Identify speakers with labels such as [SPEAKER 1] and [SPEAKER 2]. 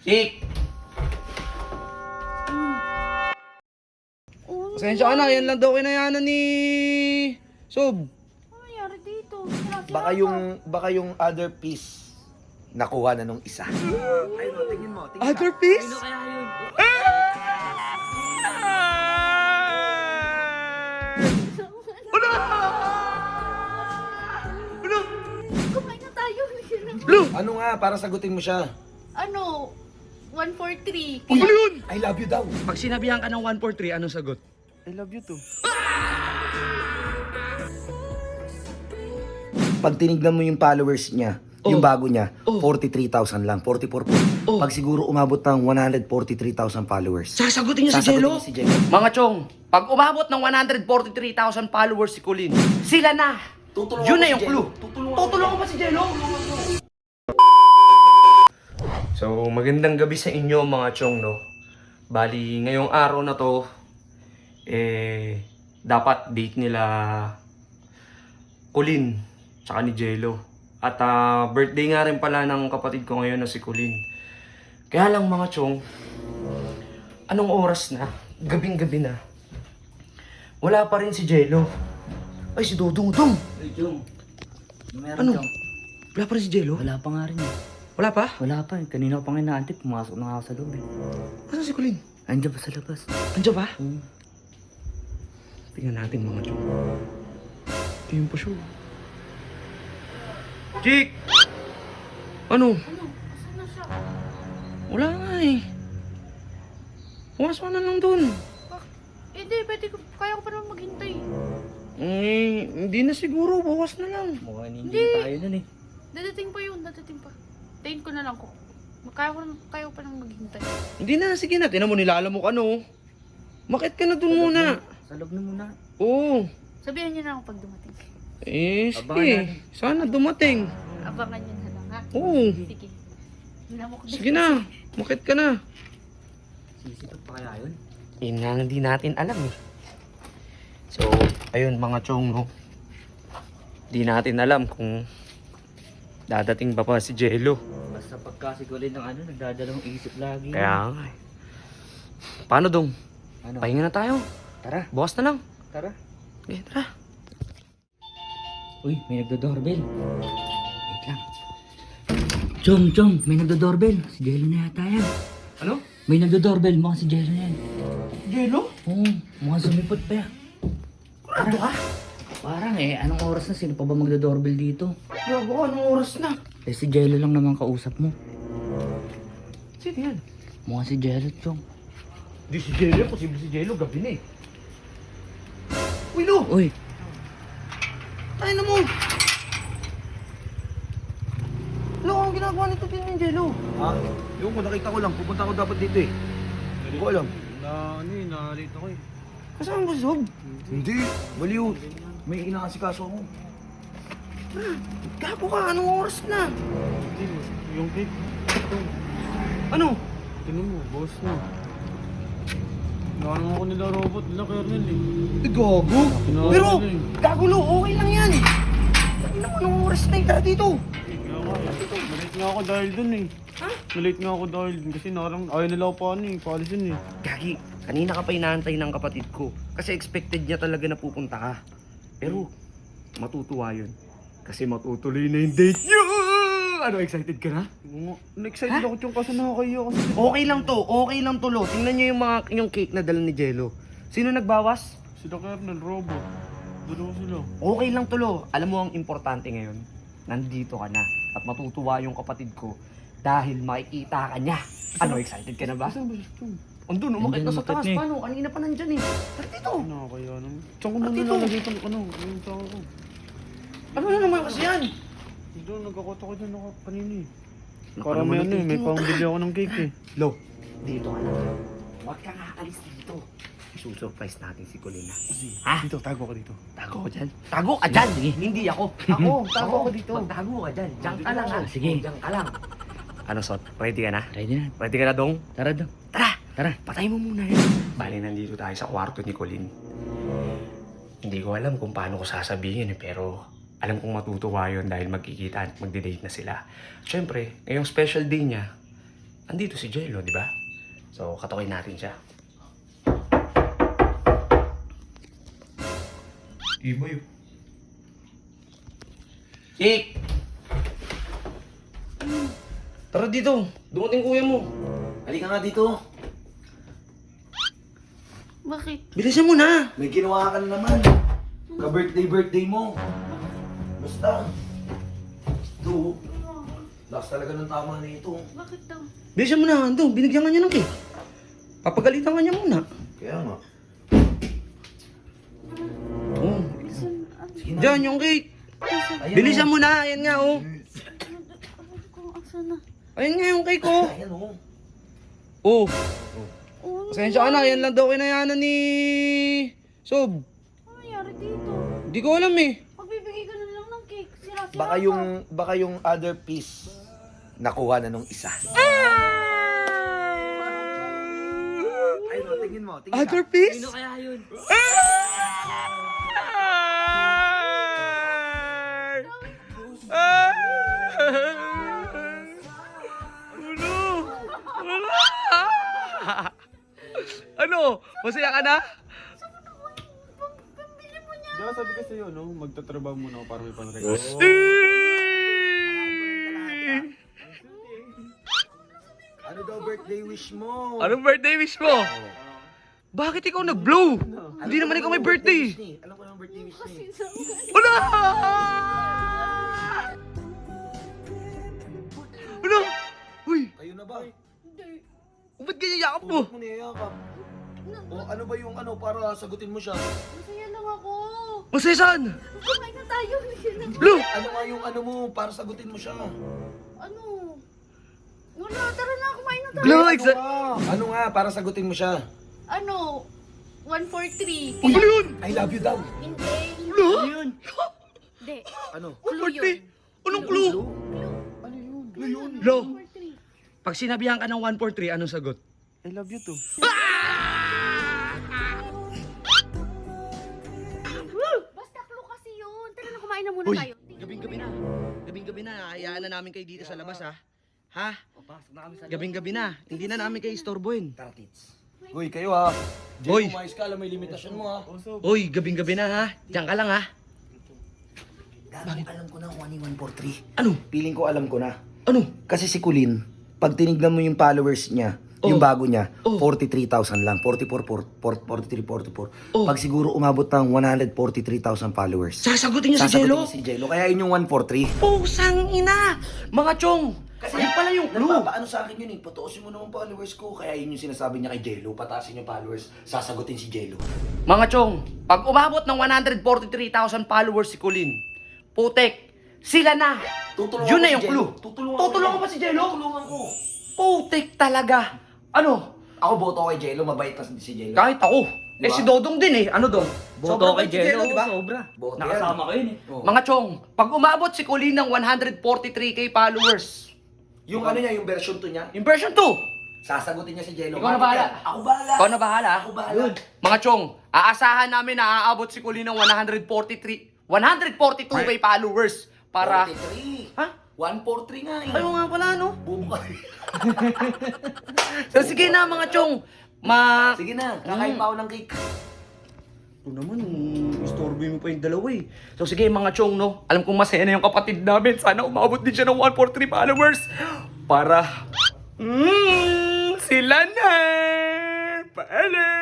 [SPEAKER 1] Chick! Pasensya ka na, yan lang daw kinayanan ni Sob.
[SPEAKER 2] Ano nangyari dito?
[SPEAKER 3] Baka yung other piece nakuha na nung isa. Ay, no, tingin mo.
[SPEAKER 1] Other piece?
[SPEAKER 2] Ano kaya yun? Kumain na tayo.
[SPEAKER 3] Ano nga, para sagutin mo siya.
[SPEAKER 2] Ano? 143.
[SPEAKER 1] Ano yun?
[SPEAKER 3] I love you daw.
[SPEAKER 1] Pag sinabihan ka ng 143, anong sagot?
[SPEAKER 3] I love you too. Pag tinignan mo yung followers niya, yung bago niya, 43,000 lang, 44 po. Pag siguro umabot ng 143,000 followers.
[SPEAKER 1] Sasagutin niya si Jello?
[SPEAKER 3] Sasagutin niya si Jello.
[SPEAKER 1] Mga chong, pag umabot ng 143,000 followers si Colin, sila na!
[SPEAKER 3] Tutulungan
[SPEAKER 1] Yun
[SPEAKER 3] ko
[SPEAKER 1] na
[SPEAKER 3] si
[SPEAKER 1] yung
[SPEAKER 3] Jello.
[SPEAKER 1] clue. Tutulungan pa si Jello? So, magandang gabi sa inyo mga chong, no? Bali, ngayong araw na to, dapat date nila Colin, tsaka ni Jello. At birthday nga rin pala ng kapatid ko ngayon na si Colin. Kaya lang mga chong, anong oras na? Gabing-gabi na. Wala pa rin si Jello. Ay, si Dodong.
[SPEAKER 4] Ay, Jong. Meron,
[SPEAKER 1] Ano?
[SPEAKER 4] Jong.
[SPEAKER 1] Wala pa rin si Jello?
[SPEAKER 4] Wala pa nga rin eh.
[SPEAKER 1] Wala pa?
[SPEAKER 4] Wala pa eh. Kanina ko pa nga inaantay. Pumasok na ako sa loob eh.
[SPEAKER 1] Asan si Colin?
[SPEAKER 4] Andiyan pa sa labas.
[SPEAKER 1] Andiyan ba?
[SPEAKER 4] Hmm.
[SPEAKER 1] Tingnan natin mga chong. Tingnan pa siya. Chick! Ano?
[SPEAKER 2] Ano? Asan na siya?
[SPEAKER 1] Wala nga eh. Oras pa na lang dun.
[SPEAKER 2] Hindi, pwede ko. Kaya ko pa naman maghintay.
[SPEAKER 1] Hindi na siguro. Bukas na lang.
[SPEAKER 4] Mukhang
[SPEAKER 2] Hindi.
[SPEAKER 4] hindi tayo nun eh.
[SPEAKER 2] Dadating pa yun, dadating pa. Tayin ko na lang ko. Kaya ko pa naman maghintay.
[SPEAKER 1] Hindi na. Sige na. Tinan mo nilalamok ano. Makit ka na dun muna.
[SPEAKER 4] Sa loob na muna.
[SPEAKER 1] Oo.
[SPEAKER 2] Sabihan niyo na ako pag dumating.
[SPEAKER 4] Abangan
[SPEAKER 1] Sige.
[SPEAKER 4] natin.
[SPEAKER 1] Sana dumating.
[SPEAKER 2] Abangan niyo na lang ha.
[SPEAKER 1] Oo.
[SPEAKER 2] Sige. Hinamok din.
[SPEAKER 1] Sige na. Makit ka na.
[SPEAKER 4] Sisipat pa kaya yun?
[SPEAKER 1] Yun nga hindi natin alam eh. So, ayun mga chong, no? Di natin alam kung dadating ba pa si Jello.
[SPEAKER 4] Basta pagkasigulin ng ano, nagdadalawang isip lagi.
[SPEAKER 1] Kaya nga eh. Paano dong?
[SPEAKER 4] Ano?
[SPEAKER 1] Pahinga na tayo.
[SPEAKER 4] Tara,
[SPEAKER 1] Bukas na lang.
[SPEAKER 4] tara.
[SPEAKER 1] Okay, tara.
[SPEAKER 4] Uy, may nagdo-doorbell. Wait lang. Jong, may nagdo-doorbell. Si Jello na yata yan.
[SPEAKER 1] Ano?
[SPEAKER 4] May nagdo-doorbell, mukhang si Jello na yan.
[SPEAKER 1] Jello?
[SPEAKER 4] Oo, mukhang sumipot pa yan.
[SPEAKER 1] Ano ka?
[SPEAKER 4] Parang anong oras na? Sino pa ba magdo-doorbell dito?
[SPEAKER 1] Gago, anong oras na?
[SPEAKER 4] Si Jello lang naman kausap mo.
[SPEAKER 1] Sino yan?
[SPEAKER 4] Mukhang si Jello, Jong.
[SPEAKER 1] Di si Jello, posible si Jello, gabi na eh. Uy, Lo!
[SPEAKER 4] Uy,
[SPEAKER 1] Tayo na mo! Lo, anong ginagawa nito din ni Jello?
[SPEAKER 3] Ha? Yung ko, nakita ko lang. Pupunta ko dapat dito eh. Hindi ko alam.
[SPEAKER 5] Na-late ako eh.
[SPEAKER 1] Kasama mo si Sob?
[SPEAKER 3] Hindi. Baliw. May inaasikaso ako.
[SPEAKER 1] Gago ka, anong oras na?
[SPEAKER 5] Hindi, yung cake.
[SPEAKER 1] Ano?
[SPEAKER 5] Tingnan mo, boss na. Naano ako nila robot, nila kernel eh.
[SPEAKER 1] Gago?
[SPEAKER 5] Kinakain
[SPEAKER 1] Pero,
[SPEAKER 5] nila eh.
[SPEAKER 1] gago Lo, okay lang yan. Sabi naman, anong oras na yung tara dito?
[SPEAKER 5] Kaya nga, malate nga ako dahil dun eh.
[SPEAKER 1] Ha?
[SPEAKER 5] Malate nga ako dahil dun kasi narang ayaw nila ako paano eh, paalisin eh.
[SPEAKER 1] Gagi, kanina ka pa inaantay ng kapatid ko. Kasi expected niya talaga na pupunta ka. Pero, matutuwa yun. Kasi matutuloy na yung date niyo! Ano, excited ka na?
[SPEAKER 5] Na-excited ako yung kaso nakakaya kasi.
[SPEAKER 1] Okay lang to, Lo. Tingnan niyo yung cake na dala ni Jello. Sino nagbawas?
[SPEAKER 5] Sila kernel, robot. Dalawa sila.
[SPEAKER 1] Okay lang to, Lo. Alam mo ang importante ngayon, nandito ka na. At matutuwa yung kapatid ko dahil makikita ka niya. Ano, excited ka na ba?
[SPEAKER 5] Saan ba siya Chong?
[SPEAKER 1] Andun, umakit na sa
[SPEAKER 4] Nandyan,
[SPEAKER 1] taas.
[SPEAKER 4] umakit na eh.
[SPEAKER 1] Paano? Kanina pa nandyan eh. Tara dito.
[SPEAKER 5] Nakakaya naman. Saan ko
[SPEAKER 1] Ah,
[SPEAKER 5] muna
[SPEAKER 1] dito.
[SPEAKER 5] nalagay itong ano, yung tao ko.
[SPEAKER 1] Ano na naman kasi yan?
[SPEAKER 5] Doon, nagkakota ko dyan ako kanina eh.
[SPEAKER 1] Naku
[SPEAKER 5] Para
[SPEAKER 1] naman
[SPEAKER 5] may
[SPEAKER 1] ang
[SPEAKER 5] ano eh, may
[SPEAKER 1] cake mo.
[SPEAKER 5] pambili ako ng cake eh.
[SPEAKER 1] Lo, dito ka na. Huwag kang aalis dito. Isusurprise natin si Colina. Ha?
[SPEAKER 5] Dito, tago ko dito.
[SPEAKER 1] Tago ka dyan. Tago ka dyan! Hindi ako. Ako, tago ako dito. Magtago ka dyan. Diyan ka lang ha.
[SPEAKER 4] Sige.
[SPEAKER 1] Diyan ka lang. Ano, Sot? Ready ka na?
[SPEAKER 4] Ready na.
[SPEAKER 1] Ready ka na, Dong?
[SPEAKER 4] Tara, Dong.
[SPEAKER 1] Tara!
[SPEAKER 4] Tara.
[SPEAKER 1] Patay mo muna yan. Bali, nandito tayo sa kwarto ni Colin. Hindi ko alam kung paano ko sasabihin eh, pero alam kong matutuwa yun dahil magkikita at magde-date na sila. Siyempre, ngayong special day niya, andito si Jello, di ba? So, katukoy natin siya. Iba yun. Ik! Tara dito. Dumating kuya mo.
[SPEAKER 3] Halika nga dito.
[SPEAKER 2] Bakit?
[SPEAKER 1] Bilisan mo na.
[SPEAKER 3] May ginawa ka na naman. Ka-birthday mo. Basta. Ito. Lakas talaga ng tama na ito.
[SPEAKER 2] Bakit daw?
[SPEAKER 1] Bilisan mo na. Ando, binigyan ka niya ng cake. Papagalitan ka niya muna.
[SPEAKER 3] Kaya nga.
[SPEAKER 1] Oh.
[SPEAKER 3] Sige na.
[SPEAKER 1] Diyan yung cake.
[SPEAKER 3] Ayan,
[SPEAKER 1] Bilisan mo na. Ayan nga, oh.
[SPEAKER 2] Kung asa na.
[SPEAKER 1] Ayan nga yung cake, oh.
[SPEAKER 3] Ayan oh.
[SPEAKER 1] Oh.
[SPEAKER 2] Oh,
[SPEAKER 1] Pasensya ka na. Yan lang daw kinayanan ni Sob.
[SPEAKER 2] ano nangyari dito?
[SPEAKER 1] Hindi ko alam eh.
[SPEAKER 2] Magbibigay ka na lang ng cake. Sira-sira
[SPEAKER 3] Baka yung other piece nakuha na nung isa. Ay, no, tingin mo. Tingin
[SPEAKER 1] Other
[SPEAKER 3] ka.
[SPEAKER 1] piece?
[SPEAKER 4] Sino kaya yun?
[SPEAKER 1] Ano? Masaya ka na?
[SPEAKER 2] Pambili mo niya.
[SPEAKER 5] Di ba sabi ko sa'yo, no? Magtatrabaho muna ako para may panregalo.
[SPEAKER 3] Ano daw birthday wish mo?
[SPEAKER 1] Anong birthday wish mo? Bakit ikaw nag-blow? Hindi naman ikaw may birthday.
[SPEAKER 3] Alam ko ng birthday wish ni.
[SPEAKER 1] Wala! Ano? Uy,
[SPEAKER 3] Kayo na ba?
[SPEAKER 2] Hindi.
[SPEAKER 1] ba't ganyan yakap mo?
[SPEAKER 3] Huwag mo niyayakap. O ano ba yung ano para sagutin mo siya?
[SPEAKER 2] Masaya lang ako.
[SPEAKER 1] Masaya saan?
[SPEAKER 2] Kumain na tayo.
[SPEAKER 1] Blue!
[SPEAKER 3] Ano nga yung ano mo para sagutin mo siya?
[SPEAKER 2] Ano? Wala, tara na. Kumain na tayo.
[SPEAKER 1] Blue,
[SPEAKER 3] Ano nga para sagutin mo siya?
[SPEAKER 2] Ano? 143.
[SPEAKER 1] Ano yun?
[SPEAKER 3] I love you daw.
[SPEAKER 2] Hindi.
[SPEAKER 1] Blue?
[SPEAKER 2] Hindi.
[SPEAKER 3] Ano?
[SPEAKER 2] Clue
[SPEAKER 1] 140?
[SPEAKER 2] yun.
[SPEAKER 1] Anong clue?
[SPEAKER 3] Ano yun? Ano yun?
[SPEAKER 1] Lo,
[SPEAKER 2] 143.
[SPEAKER 1] pag sinabihan ka ng 143, anong sagot?
[SPEAKER 5] I love you too.
[SPEAKER 2] Basta clue kasi yun. Tara na, kumain na muna
[SPEAKER 1] Uy,
[SPEAKER 2] tayo.
[SPEAKER 1] gabing-gabi na. Gabing-gabi na. Hayaan na namin kayo dito sa labas, ha? Ha?
[SPEAKER 4] Papasok na kami sa
[SPEAKER 1] Gabing-gabi na. Hindi na namin kayo istorbohin.
[SPEAKER 3] Tara, tits. Uy, kayo ha.
[SPEAKER 1] Uy.
[SPEAKER 3] Uy. Umayos ka, alam may limitasyon mo ha.
[SPEAKER 1] Uy, gabing-gabi na, ha? Diyan ka lang, ha?
[SPEAKER 3] Dami, alam ko na kung ano yung 143.
[SPEAKER 1] Ano?
[SPEAKER 3] Feeling ko alam ko na.
[SPEAKER 1] Ano?
[SPEAKER 3] Kasi si Kulin, pag tinignan mo yung followers niya, yung bago niya,
[SPEAKER 1] Oh.
[SPEAKER 3] 43,000 lang. 43, 44.
[SPEAKER 1] Oh.
[SPEAKER 3] Pag siguro umabot ng 143,000 followers.
[SPEAKER 1] Sasagutin niya si
[SPEAKER 3] sasagutin
[SPEAKER 1] Jello?
[SPEAKER 3] niya si Jello. Kaya yun yung 143.
[SPEAKER 1] Pusang ina! Mga chong!
[SPEAKER 3] Kasi
[SPEAKER 1] yun pala yung clue.
[SPEAKER 3] Nagpapaano sa akin yun eh. Patuosin mo naman followers ko. Kaya yun yung sinasabi niya kay Jello. Pataasin yung followers. Sasagutin si Jello.
[SPEAKER 1] Mga chong, pag umabot ng 143,000 followers si Colin, putek, sila na!
[SPEAKER 3] Tutulungan
[SPEAKER 1] Yun
[SPEAKER 3] ko
[SPEAKER 1] na
[SPEAKER 3] si
[SPEAKER 1] yung
[SPEAKER 3] Jello.
[SPEAKER 1] clue. Tutulungan mo ba si Jello?
[SPEAKER 3] Tutulungan ko.
[SPEAKER 1] Putek talaga! Ano?
[SPEAKER 3] Ako boto kay Jello. Mabait na si Jello.
[SPEAKER 1] Kahit ako. Eh
[SPEAKER 3] Diba?
[SPEAKER 1] si Dodong din eh. Ano Dong?
[SPEAKER 4] Boto
[SPEAKER 1] Sobrang
[SPEAKER 4] kay
[SPEAKER 1] bait si
[SPEAKER 4] Jello,
[SPEAKER 1] diba?
[SPEAKER 4] sobra.
[SPEAKER 3] Boto
[SPEAKER 4] Nakasama ko yun eh.
[SPEAKER 3] Oh.
[SPEAKER 1] Mga chong, pag umabot si Colin ng 143k followers,
[SPEAKER 3] Yung ano niya, yung version 2 niya,
[SPEAKER 1] yung version 2,
[SPEAKER 3] sasagutin niya si Jello.
[SPEAKER 1] Ikaw na bahala.
[SPEAKER 3] Ako bahala.
[SPEAKER 1] ikaw na bahala.
[SPEAKER 3] Ako bahala.
[SPEAKER 1] Mga chong, aasahan namin na aabot si Colin ng 142k followers para...
[SPEAKER 3] 43.
[SPEAKER 1] Ha?
[SPEAKER 3] 143 nga eh.
[SPEAKER 1] Ayaw nga pala, no?
[SPEAKER 3] Bubuka.
[SPEAKER 1] So sige na mga chong,
[SPEAKER 3] Sige na, kakain pa ako ng cake.
[SPEAKER 1] Ito naman, istorbo mo pa yung dalawa eh. So sige mga chong, no? Alam kong masaya na yung kapatid namin. Sana umabot din siya ng 143 followers. Para... sila na! Paalam!